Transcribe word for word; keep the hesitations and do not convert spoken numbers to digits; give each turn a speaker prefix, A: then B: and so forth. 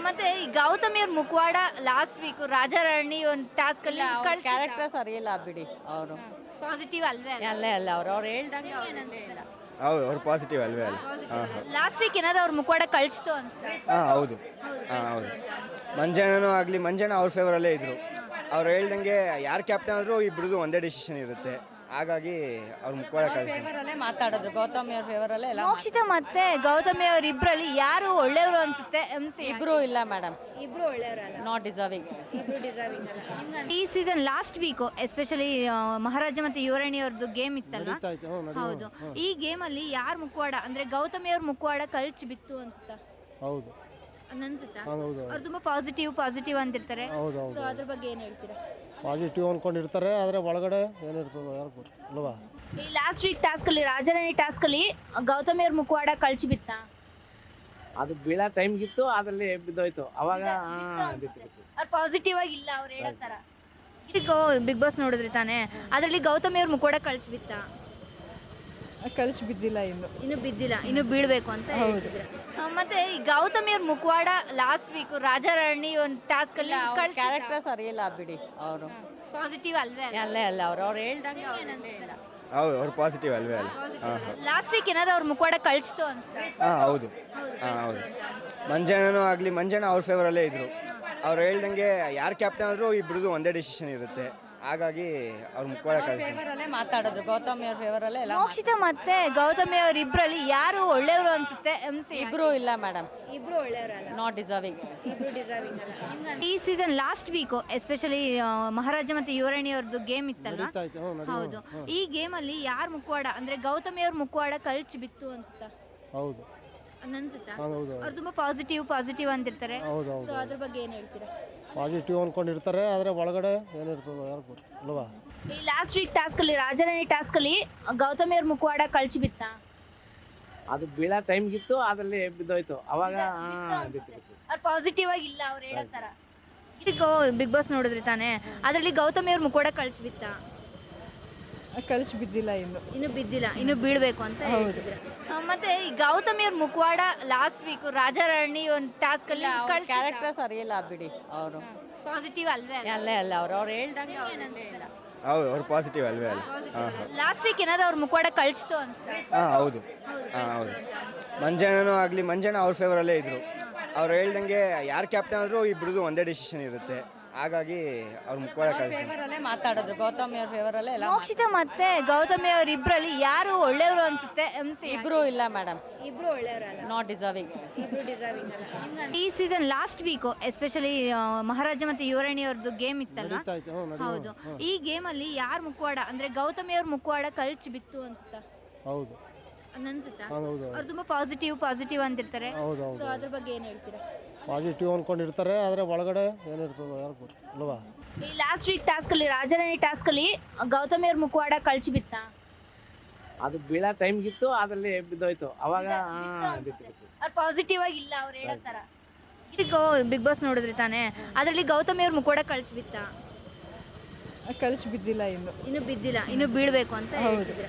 A: ಮತ್ತೆ ಈ ಗೌತಮಿ ಅವ್ರ ಮುಖವಾಡ ಲಾಸ್ಟ್ ವೀಕ್ ರಾಜಾರಾಣಿ ಒಂದು ಟಾಸ್ಕ್ ಅಲ್ಲಿ
B: ಕ್ಯಾರೆಕ್ಟರ್ ಸರಿ ಇಲ್ಲ ಬಿಡಿ ಅವರು
A: ಪಾಸಿಟಿವ್ ಅಲ್ವೇ
B: ಅಲ್ಲೇ ಅಲ್ಲ ಅವ್ರು ಅವ್ರು ಹೇಳ್ದಂಗೆ ಅವ್ರು ಇಲ್ಲೇ ಇಲ್ಲ
C: ಹೌದು ಅವ್ರು ಪಾಸಿಟಿವ್ ಅಲ್ವೇ ಅಲ್ಲ
A: ಲಾಸ್ಟ್ ವೀಕ್ ಏನಾದ್ರು ಅವ್ರ ಮುಖವಾಡ ಕಳ್ಸಿತು ಅನ್ಸುತ್ತೆ
C: ಹಾಂ ಹೌದು ಹಾಂ ಹೌದು ಮಂಜಣ್ಣನೂ ಆಗಲಿ ಮಂಜಣ್ಣ ಅವ್ರ ಫೇವರಲ್ಲೇ ಇದ್ದರು ಅವ್ರು ಹೇಳ್ದಂಗೆ ಯಾರು ಕ್ಯಾಪ್ಟನ್ ಆದರೂ ಇಬ್ಬರದು ಒಂದೇ ಡಿಸಿಷನ್ ಇರುತ್ತೆ ಹಾಗಾಗಿ ಅವ್ರ ಮುಖವಾಡ ಕಳಿಸಿ
B: ಫೇವರಲ್ಲೇ ಮಾತಾಡೋದು ಗೌತಮಿ ಅವ್ರ ಫೇವರಲ್ಲೇ ಎಲ್ಲ
A: ಮೋಕ್ಷಿತ ಮತ್ತೆ ಗೌತಮಿ ಅವ್ರ ಇಬ್ರಲ್ಲಿ ಯಾರು ಒಳ್ಳೆಯವರು ಅನ್ಸುತ್ತೆ ಅಂತ
B: ಇಬ್ರು ಇಲ್ಲ ಮೇಡಮ್
A: ಇಬ್ರು ಒಳ್ಳೆಯವರಲ್ಲ
B: ನಾಟ್ ಡಿಸರ್ವಿಂಗ್
A: ಇಬ್ರು ಡಿಸರ್ವಿಂಗ್ ಅಲ್ಲ ಈ season last week especially Maharaja ಮತ್ತೆ ಯುವರಾಣಿ ಅವ್ರದ್ದು ಗೇಮ್ ಇತ್ತಲ್ವಾ ಹೌದು ಈ ಗೇಮ್ ಅಲ್ಲಿ ಯಾರ ಮುಖವಾಡ ಅಂದ್ರೆ ಗೌತಮಿ ಅವ್ರ ಮುಖವಾಡ ಕಳ್ಚಿ ಬಿತ್ತು ಅನ್ಸುತ್ತಾ
D: ಹೌದು
A: ಅನ್ಸುತ್ತಾ
D: ಹೌದು
A: ಅವ್ರು ತುಂಬಾ ಪಾಸಿಟಿವ್ ಪಾಸಿಟಿವ್ ಅಂತಿರ್ತಾರೆ
D: ಹೌದು ಹೌದು
A: ಸೊ ಅದ್ರ ಬಗ್ಗೆ ಏನ್ ಹೇಳ್ತೀರಾ
D: ಪಾಸಿಟಿವ್ ಅಂದ್ಕೊಂಡಿರ್ತಾರೆ ಆದರೆ ಒಳಗಡೆ ಏನಿರ್ತದೆ ಯಾರು ಗೊತ್ತು ಅಲ್ವಾ
A: ಈ ಲಾಸ್ಟ್ ವೀಕ್ ಟಾಸ್ಕ್ ಅಲ್ಲಿ ರಾಜಾರಾಣಿ ಟಾಸ್ಕ್ ಅಲ್ಲಿ ಗೌತಮಿ ಅವ್ರ ಮುಖವಾಡ ಕಳ್ಚಿ ಬಿತ್ತಾ
E: ಅದು ಬೀಳೋ ಟೈಮ್ಗಿತ್ತು ಅದ್ರಲ್ಲಿ ಬಿದ್ದೋಯ್ತು ಅವಾಗ
A: ಅವ್ರು ಪಾಸಿಟಿವ್ ಆಗಿ ಇಲ್ಲ ಅವ್ರು ಹೇಳೋ ತರ ಈಗ ಬಿಗ್ ಬಾಸ್ ನೋಡಿದ್ರಿ ತಾನೆ ಅದರಲ್ಲಿ ಗೌತಮಿ ಅವ್ರ ಮುಖವಾಡ ಕಳ್ಚಿ ಬಿತ್ತಾ
B: ಕಳಿಸಿ ಬಿದ್ದಿಲ್ಲ ಇನ್ನು
A: ಇನ್ನು ಬಿದ್ದಿಲ್ಲ ಇನ್ನು ಬೀಳ್ಬೇಕು ಅಂತ ಹೇಳ್ತಿದ್ರು ಆ, ಮತ್ತೆ ಈ ಗೌತಮಿ ಅವ್ರ ಮುಖವಾಡ ಲಾಸ್ಟ್ ವೀಕ್ ರಾಜಾರಾಣಿ ಒಂದು ಟಾಸ್ಕ್ ಅಲ್ಲಿ
B: ಕ್ಯಾರೆಕ್ಟರ್ ಸರಿ ಇಲ್ಲ ಬಿಡಿ ಅವರು
A: ಪಾಸಿಟಿವ್ ಅಲ್ವೇ
B: ಅಲ್ಲೇ ಅಲ್ಲ ಅವ್ರು ಅವ್ರು ಹೇಳ್ದಂಗೆ ಅವ್ರು ಇಲ್ಲೇ ಇಲ್ಲ
C: ಹೌದು ಅವ್ರು ಪಾಸಿಟಿವ್ ಅಲ್ವೇ ಅಲ್ಲ
A: ಲಾಸ್ಟ್ ವೀಕ್ ಏನಾದ್ರು ಅವ್ರ ಮುಖವಾಡ ಕಳ್ಸಿತು ಅನ್ಸುತ್ತೆ
C: ಹಾಂ ಹೌದು ಹಾಂ ಹೌದು ಮಂಜಣ್ಣನೂ ಆಗಲಿ ಮಂಜಣ್ಣ ಅವ್ರ ಫೇವರಲ್ಲೇ ಇದ್ದರು ಅವ್ರು ಹೇಳ್ದಂಗೆ ಯಾರು ಕ್ಯಾಪ್ಟನ್ ಆದರೂ ಇಬ್ಬರದು ಒಂದೇ ಡಿಸಿಷನ್ ಇರುತ್ತೆ ಹಾಗಾಗಿ ಅವ್ರ ಮುಖವಾಡ ಕಳಿಸಿ
B: ಫೇವರಲ್ಲೇ ಮಾತಾಡೋದು ಗೌತಮಿ ಅವ್ರ ಫೇವರಲ್ಲೇ ಎಲ್ಲ
A: ಮೋಕ್ಷಿತ ಮತ್ತೆ ಗೌತಮಿ ಅವ್ರ ಇಬ್ರಲ್ಲಿ ಯಾರು ಒಳ್ಳೆಯವರು ಅನ್ಸುತ್ತೆ ಅಂತ
B: ಇಬ್ರು ಇಲ್ಲ ಮೇಡಮ್
A: ಇಬ್ರು ಒಳ್ಳೆಯವರಲ್ಲ
B: ನಾಟ್ ಡಿಸರ್ವಿಂಗ್
A: ಇಬ್ರು ಡಿಸರ್ವಿಂಗ್ ಅಲ್ಲ ಈ season last week especially Maharaja ಮತ್ತೆ ಯುವರಾಣಿ ಅವ್ರದ್ದು ಗೇಮ್ ಇತ್ತಲ್ವಾ ಹೌದು ಈ ಗೇಮ್ ಅಲ್ಲಿ ಯಾರ ಮುಖವಾಡ ಅಂದ್ರೆ ಗೌತಮಿ ಅವ್ರ ಮುಖವಾಡ ಕಳ್ಚಿ ಬಿತ್ತು ಅನ್ಸುತ್ತಾ
D: ಹೌದು
A: ಅನ್ಸುತ್ತಾ
D: ಹೌದು
A: ಅವ್ರು ತುಂಬಾ ಪಾಸಿಟಿವ್ ಪಾಸಿಟಿವ್ ಅಂತಿರ್ತಾರೆ
D: ಹೌದು ಹೌದು
A: ಸೊ ಅದ್ರ ಬಗ್ಗೆ ಏನ್ ಹೇಳ್ತೀರಾ
D: ಪಾಸಿಟಿವ್ ಅಂದ್ಕೊಂಡಿರ್ತಾರೆ ಆದರೆ ಒಳಗಡೆ ಏನಿರ್ತದೆ ಯಾರು ಗೊತ್ತು ಅಲ್ವಾ
A: ಈ ಲಾಸ್ಟ್ ವೀಕ್ ಟಾಸ್ಕ್ ಅಲ್ಲಿ ರಾಜಾರಾಣಿ ಟಾಸ್ಕ್ ಅಲ್ಲಿ ಗೌತಮಿ ಅವ್ರ ಮುಖವಾಡ ಕಳ್ಚಿ ಬಿತ್ತಾ
E: ಅದು ಬೀಳೋ ಟೈಮ್ಗಿತ್ತು ಅದ್ರಲ್ಲಿ ಬಿದ್ದೋಯ್ತು ಅವಾಗ
A: ಅವ್ರು ಪಾಸಿಟಿವ್ ಆಗಿ ಇಲ್ಲ ಅವ್ರು ಹೇಳೋ ತರ ಈಗ ಬಿಗ್ ಬಾಸ್ ನೋಡಿದ್ರಿ ತಾನೆ ಅದರಲ್ಲಿ ಗೌತಮಿ ಅವ್ರ ಮುಖವಾಡ ಕಳ್ಚಿ ಬಿತ್ತಾ
B: ಕಳಿಸಿ ಬಿದ್ದಿಲ್ಲ ಇನ್ನು
A: ಇನ್ನು ಬಿದ್ದಿಲ್ಲ ಇನ್ನು ಬೀಳ್ಬೇಕು ಅಂತ ಹೇಳ್ತಿದ್ರು ಆ, ಮತ್ತೆ ಈ ಗೌತಮಿ ಅವ್ರ ಮುಖವಾಡ ಲಾಸ್ಟ್ ವೀಕ್ ರಾಜಾರಾಣಿ ಒಂದು ಟಾಸ್ಕ್ ಅಲ್ಲಿ
B: ಕ್ಯಾರೆಕ್ಟರ್ ಸರಿ ಇಲ್ಲ ಬಿಡಿ ಅವರು
A: ಪಾಸಿಟಿವ್ ಅಲ್ವೇ
B: ಅಲ್ಲೇ ಅಲ್ಲ ಅವ್ರು ಅವ್ರು ಹೇಳ್ದಂಗೆ ಅವ್ರು ಇಲ್ಲೇ ಇಲ್ಲ
C: ಹೌದು ಅವ್ರು ಪಾಸಿಟಿವ್ ಅಲ್ವೇ ಅಲ್ಲ
A: ಲಾಸ್ಟ್ ವೀಕ್ ಏನಾದ್ರು ಅವ್ರ ಮುಖವಾಡ ಕಳ್ಸಿತು ಅನ್ಸುತ್ತೆ
C: ಹಾಂ ಹೌದು ಹಾಂ ಹೌದು ಮಂಜಣ್ಣನೂ ಆಗಲಿ ಮಂಜಣ್ಣ ಅವ್ರ ಫೇವರಲ್ಲೇ ಇದ್ದರು ಅವ್ರು ಹೇಳ್ದಂಗೆ ಯಾರು ಕ್ಯಾಪ್ಟನ್ ಆದರೂ ಇಬ್ಬರದು ಒಂದೇ ಡಿಸಿಷನ್ ಇರುತ್ತೆ ಹಾಗಾಗಿ ಅವ್ರ ಮುಖವಾಡ ಕಳಿಸಿ
B: ಫೇವರಲ್ಲೇ ಮಾತಾಡೋದು ಗೌತಮಿ ಅವ್ರ ಫೇವರಲ್ಲೇ ಎಲ್ಲ
A: ಮೋಕ್ಷಿತ ಮತ್ತೆ ಗೌತಮಿ ಅವ್ರ ಇಬ್ರಲ್ಲಿ ಯಾರು ಒಳ್ಳೆಯವರು ಅನ್ಸುತ್ತೆ ಅಂತ
B: ಇಬ್ರು ಇಲ್ಲ ಮೇಡಮ್
A: ಇಬ್ರು ಒಳ್ಳೆಯವರಲ್ಲ
B: ನಾಟ್ ಡಿಸರ್ವಿಂಗ್
A: ಇಬ್ರು ಡಿಸರ್ವಿಂಗ್ ಅಲ್ಲ ಈ season last week especially Maharaja ಮತ್ತೆ ಯುವರಾಣಿ ಅವ್ರದ್ದು ಗೇಮ್ ಇತ್ತಲ್ವಾ ಹೌದು ಈ ಗೇಮ್ ಅಲ್ಲಿ ಯಾರ ಮುಖವಾಡ ಅಂದ್ರೆ ಗೌತಮಿ ಅವ್ರ ಮುಖವಾಡ ಕಳ್ಚಿ ಬಿತ್ತು ಅನ್ಸುತ್ತಾ
D: ಹೌದು
A: ಅನ್ಸುತ್ತಾ
D: ಹೌದು
A: ಅವ್ರು ತುಂಬಾ ಪಾಸಿಟಿವ್ ಪಾಸಿಟಿವ್ ಅಂತಿರ್ತಾರೆ
D: ಹೌದು
A: ಸೊ
D: ಹೌದು
A: ಅದ್ರ ಬಗ್ಗೆ ಏನ್ ಹೇಳ್ತೀರಾ
D: ಪಾಸಿಟಿವ್ ಅಂದ್ಕೊಂಡಿರ್ತಾರೆ ಆದರೆ ಒಳಗಡೆ ಏನಿರ್ತದೆ ಯಾರು ಗೊತ್ತು ಅಲ್ವಾ
A: ಈ ಲಾಸ್ಟ್ ವೀಕ್ ಟಾಸ್ಕ್ ಅಲ್ಲಿ ರಾಜಾರಾಣಿ ಟಾಸ್ಕ್ ಅಲ್ಲಿ ಗೌತಮಿ ಅವ್ರ ಮುಖವಾಡ ಕಳ್ಚಿ ಬಿತ್ತಾ
E: ಅದು ಬೀಳೋ ಟೈಮ್ಗಿತ್ತು ಅದ್ರಲ್ಲಿ ಬಿದ್ದೋಯ್ತು ಅವಾಗ
A: ಅವ್ರು ಪಾಸಿಟಿವ್ ಆಗಿ ಇಲ್ಲ ಅವ್ರು ಹೇಳೋ ತರ ಈಗ ಬಿಗ್ ಬಾಸ್ ನೋಡಿದ್ರಿ ತಾನೆ ಅದರಲ್ಲಿ ಗೌತಮಿ ಅವ್ರ ಮುಖವಾಡ ಕಳ್ಚಿ ಬಿತ್ತಾ
B: ಕಳಿಸಿ ಬಿದ್ದಿಲ್ಲ ಇನ್ನು
A: ಇನ್ನು ಬಿದ್ದಿಲ್ಲ ಇನ್ನು ಬೀಳ್ಬೇಕು ಅಂತ ಹೇಳ್ತಿದ್ರು